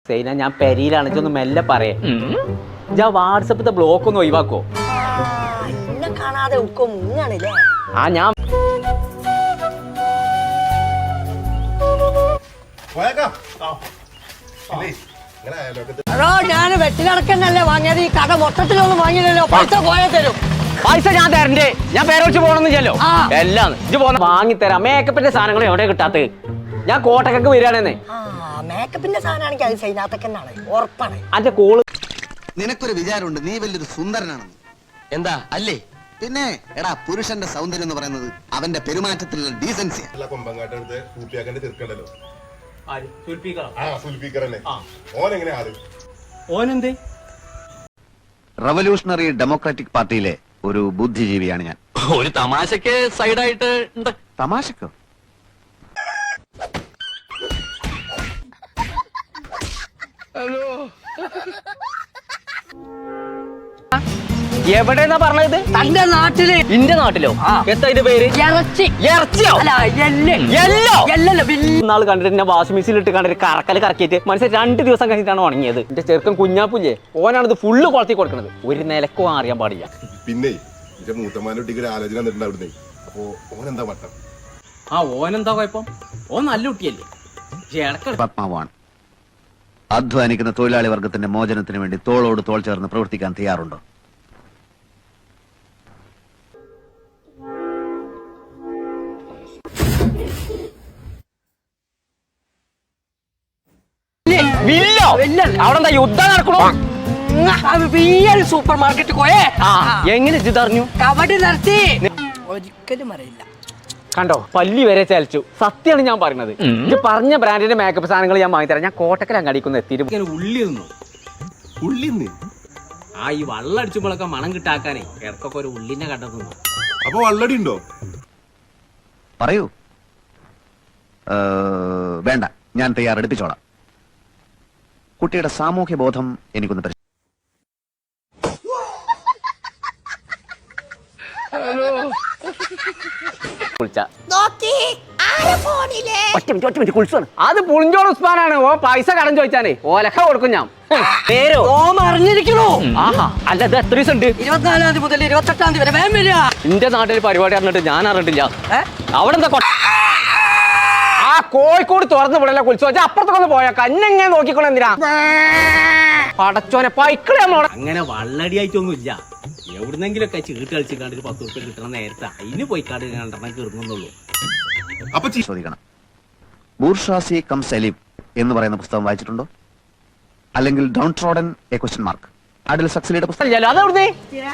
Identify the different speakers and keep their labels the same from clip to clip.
Speaker 1: സൈന ഞാൻ പെരിയിലാണ് ഒന്ന് മെല്ലെ പറയേ ഞാൻ വാട്സപ്പിത്തെ ബ്ലോക്ക് ഒന്ന് ഒഴിവാക്കോ
Speaker 2: കാണാതെ
Speaker 1: ആ ഞാൻ
Speaker 2: ഞാൻ വെട്ടിലടക്കന്നല്ലേ വാങ്ങിയത് ഈ കട മൊത്തത്തിലൊന്നും വാങ്ങിയല്ലോ പൈസ പോയാൽ തരും
Speaker 1: പൈസ ഞാൻ തരണ്ടേ ഞാൻ പേരോച്ച് പോകണമെന്ന് ചെല്ലോ എല്ലാം ഇത് പോന്ന വാങ്ങിത്തരാം മേക്കപ്പിന്റെ സാധനങ്ങൾ എവിടെ കിട്ടാത്ത ഞാൻ കോട്ടക്കൊക്കെ വരികയാണെന്നേ
Speaker 2: മേക്കപ്പിന്റെ സാധനമാണെങ്കിൽ അത് സൈനാത്തക്കന്നാണ് ഉറപ്പാണ്
Speaker 1: അന്റെ കോള്
Speaker 3: നിനക്കൊരു വിചാരമുണ്ട് നീ വലിയൊരു സുന്ദരനാണെന്ന് എന്താ അല്ലേ പിന്നെ എടാ പുരുഷന്റെ സൗന്ദര്യം എന്ന് പറയുന്നത് അവന്റെ പെരുമാറ്റത്തിലുള്ള ഡീസൻസി റവല്യൂഷണറി ഡെമോക്രാറ്റിക് പാർട്ടിയിലെ ഒരു ബുദ്ധിജീവിയാണ് ഞാൻ
Speaker 4: ഒരു തമാശക്ക് സൈഡായിട്ട്
Speaker 3: തമാശക്കോ
Speaker 1: എവിടെന്നാ പറഞ്ഞത്
Speaker 2: തന്റെ നാട്ടില്
Speaker 1: ഇന്റെ നാട്ടിലോ എന്താ ഇതിന്റെ പേര് ഇറച്ചിയോ നാള് കണ്ടിട്ട് വാഷിംഗ് മെഷീനിലിട്ട് കണ്ടിട്ട് കറക്കല് കറക്കിയിട്ട് മനസ്സിൽ 2 ദിവസം കഴിഞ്ഞിട്ടാണ് ഉണങ്ങിയത് എന്റെ ചെറുക്കൻ കുഞ്ഞാപ്പുല്ലേ ഓനാണ് ഇത് ഫുള്ള് കൊളത്തി കൊടുക്കുന്നത് ഒരു നിലക്കോ അറിയാൻ പാടില്ല
Speaker 5: പിന്നെ മൂത്തമാനൊട്ടിക്ക് ആലോചന വന്നിട്ടുണ്ട് അപ്പോ ഓനെന്താ മട്ടം
Speaker 1: ഓനെന്താ കുഴപ്പം ഓൻ നല്ല കുട്ടിയല്ലേ
Speaker 3: പത്മാവാണ് അധ്വാനിക്കുന്ന തൊഴിലാളി വർഗത്തിന്റെ മോചനത്തിന് വേണ്ടി തോളോട് തോൾ ചേർന്ന് പ്രവർത്തിക്കാൻ തയ്യാറുണ്ടോ
Speaker 1: അവിടെ യുദ്ധം നടക്കണോ
Speaker 2: സൂപ്പർ മാർക്കറ്റ് പോയേ
Speaker 1: എങ്ങനെ ഇതറിഞ്ഞു
Speaker 2: കബഡി നടത്തി ഒരിക്കലും അറിയില്ല
Speaker 1: കണ്ടോ പല്ലി വരെ ചലിച്ചു സത്യമാണ് ഞാൻ പറയുന്നത് ഇത് പറഞ്ഞ ബ്രാൻഡിന്റെ മേക്കപ്പ് സാധനങ്ങൾ ഞാൻ വാങ്ങിത്തരാം ഞാൻ കോട്ടക്കൽ അങ്ങാടിക്കൊന്ന് എത്തിയിട്ട്
Speaker 5: ഉള്ളി
Speaker 1: ഈ വള്ളടിച്ചുമ്പോഴൊക്കെ മണം കിട്ടാക്കാനേ ഇടക്കൊക്കെ ഒരു ഉള്ളിനെ കണ്ടെത്തുന്നു
Speaker 5: അപ്പൊ വള്ളടി ഉണ്ടോ
Speaker 3: പറയൂ വേണ്ട ഞാൻ തയ്യാറെടുപ്പിച്ചോളാം കുട്ടിയുടെ സാമൂഹ്യ ബോധം എനിക്കൊന്ന്
Speaker 1: അത് പുളിഞ്ചോൾ ഉസ്മാനാണ് ഓ പൈസ കടം ചോദിച്ചാനേ ഓലക്ക കൊടുക്കും ഞാൻ പേരോ
Speaker 2: അറിഞ്ഞിരിക്കണോ
Speaker 1: ആഹാ അല്ല ഇത് എത്ര ദിവസം ഉണ്ട്
Speaker 2: 24-ാം തീയതി മുതൽ 28-ാം തീയതി വരെ വേഗം വരിക
Speaker 1: എന്റെ നാട്ടിൽ പരിപാടി അറിഞ്ഞിട്ട് ഞാൻ അറിഞ്ഞിട്ടില്ല അവിടെ എന്താ ആ കോഴിക്കോട് തുറന്നു വിടല കുളിച്ചു വെച്ചാൽ അപ്പുറത്തൊക്കെ പോയാ കന്നെങ്ങനെ നോക്കിക്കോളെ എന്തിനാ പടച്ചോനെ പൈക്കളെ അങ്ങനെ വള്ളടിയായിട്ടൊന്നും ഇല്ല എവിടുന്നെങ്കിലൊക്കെ ചീട്ട് കളിച്ച് കണ്ട് 10 ഉറുപ്പിക കിട്ടണ നേരത്തെ അതിന് പോയി കാട് കണ്ടെണ്ണം കീറുന്നുള്ളൂ
Speaker 3: ചോദിക്കണം ബൂർഷാസി കം സലീം എന്ന് പറയുന്ന പുസ്തകം വായിച്ചിട്ടുണ്ടോ അല്ലെങ്കിൽ downtrodden a question mark അഡിൽ സക്സലിയുടെ പുസ്തകം
Speaker 1: അതെവിടുന്നേ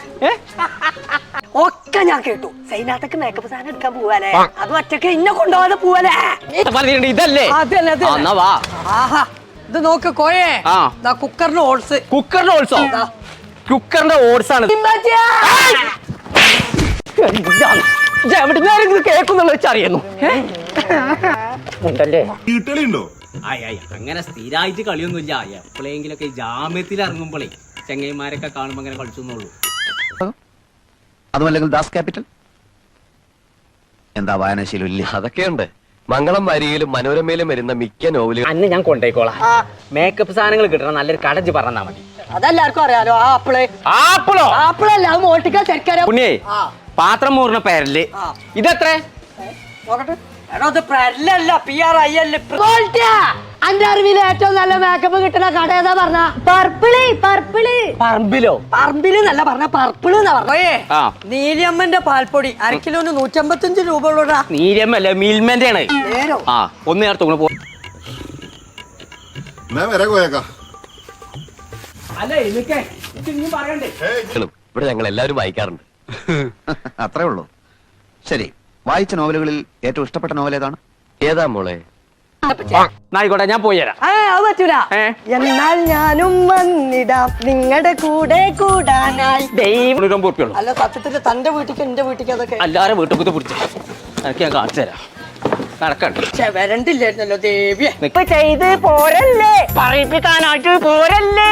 Speaker 2: ഒക്കെ ഞാൻ കേട്ടു സൈനാത്തക്ക് മേക്കപ്പ് സാധനം എടുക്കാൻ പോവാലേ അത് ഒറ്റക്ക് ഇന്നെ കൊണ്ടുപോകാതെ പോവാലേ
Speaker 1: ഇതല്ലേ
Speaker 2: ആഹാ ഇത് നോക്ക് കോയേ കുക്കറിന്റെ ഓട്സ്
Speaker 1: കുക്കറിന്റെ ഓട്സ് ആണ് കേൾക്കുന്നുള്ള വെച്ചറിയുന്നു
Speaker 5: വീട്ടുകളുണ്ടോ
Speaker 1: അങ്ങനെ സ്ഥിരമായിട്ട് കളിയൊന്നുമില്ല എപ്പോഴെങ്കിലൊക്കെ ജാമ്യത്തിൽ ഇറങ്ങുമ്പോഴേ ചെങ്ങൈമാരൊക്കെ കാണുമ്പോ അങ്ങനെ കളിച്ചെന്നുള്ളൂ
Speaker 3: അതുമല്ലെങ്കിൽ ദാസ് ക്യാപിറ്റൽ എന്താ വായനാശീലം ഇല്ല
Speaker 4: അതൊക്കെയുണ്ട് മംഗളം വാരികയിലും മനോരമയിലും വരുന്ന മിക്ക നോവലുകൾ
Speaker 1: അന്ന് ഞാൻ കൊണ്ടേക്കോളാം മേക്കപ്പ് സാധനങ്ങൾ കിട്ടണം നല്ലൊരു കടഞ്ച് പറഞ്ഞാ മതി
Speaker 2: അതെല്ലാവർക്കും അറിയാലോ
Speaker 1: ആപ്പിളോ
Speaker 2: ആപ്പിളല്ല അത് മോട്ടിക്ക ശരിക്കാരോ
Speaker 1: പുണ്യേ പാത്രം മൂറിന പേരല് ഇതെത്ര
Speaker 2: അന്റെ അറിവിൽ ഏറ്റവും നല്ല മേക്കപ്പ് കിട്ടുന്ന കട ഏതാ പറഞ്ഞ പറമ്പില് നല്ല പറഞ്ഞ പർപ്പിള് എന്നാ പറഞ്ഞേ നീലിയമ്മന്റെ പാൽപ്പൊടി 1 കിലോന് 155 രൂപ ഉള്ളൂടാ
Speaker 1: നീലിയമ്മല്ല മിൽമന്റെ ആണ് ഒന്ന് നേരത്തെ പോ
Speaker 4: ഇവിടെ ഞങ്ങൾ എല്ലാവരും വായിക്കാറുണ്ട്
Speaker 3: അത്രേ ഉള്ളൂ ശരി വായിച്ച നോവലുകളിൽ ഏറ്റവും ഇഷ്ടപ്പെട്ട നോവൽ ഏതാണ്
Speaker 4: ഏതാ മോളെ
Speaker 1: ആയിക്കോട്ടെ ഞാൻ പോയി തരാം
Speaker 2: അത് പറ്റൂല എന്നാൽ ഞാനും വന്നിടാം നിങ്ങളുടെ കൂടെ കൂടാനായി അല്ല സത്യത്തിൽ തന്റെ വീട്ടിക്ക് എന്റെ വീട്ടിക്ക് അതൊക്കെ
Speaker 1: എല്ലാരും വീട്ടിൽ പിടിച്ചു എനിക്ക് ഞാൻ കാണിച്ചു തരാം നടക്കണ്ട
Speaker 2: വരണ്ടില്ലായിരുന്നല്ലോ ദേവിയെ
Speaker 1: ചെയ്ത് പോരല്ലേ പറയിപ്പിക്കാനായിട്ട് പോരല്ലേ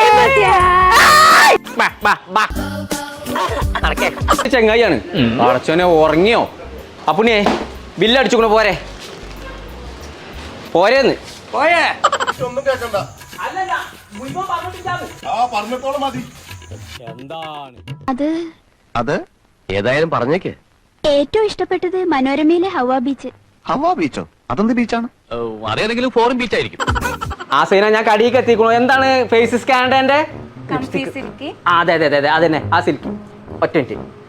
Speaker 1: ചെങ്ങായിയാണ് അടച്ചോനെ ഉറങ്ങിയോ അപ്പുണ്ണിയെ ബില്ലടിച്ചുകൊണ്ട് പോരെ പോരേന്ന്
Speaker 5: ഒന്നും കേക്കണ്ട
Speaker 1: അല്ല
Speaker 5: ആ പറഞ്ഞത്തോളം മതി.
Speaker 6: അത്
Speaker 3: അത്
Speaker 4: ഏതായാലും പറഞ്ഞേക്ക്.
Speaker 6: ഏറ്റവും ഇഷ്ടപ്പെട്ടത് മനോരമയിലെ ഹവ ബീച്ച്.
Speaker 3: ഹവാ ബീച്ചോ? അതെന്ത് ബീച്ചാണ്?
Speaker 4: അതേതെങ്കിലും ഫോറിൻ ബീച്ച് ആയിരിക്കും.
Speaker 1: ആ സീന ഞാൻ കടിയിലേക്ക് എത്തിക്കണു. എന്താണ് ഫേസ് സ്കാൻഡന്റെ? അതെ അതെ അതെ അതെ അതന്നെ ആ സിൽക്കി. ഒറ്റ മിനിറ്റ്.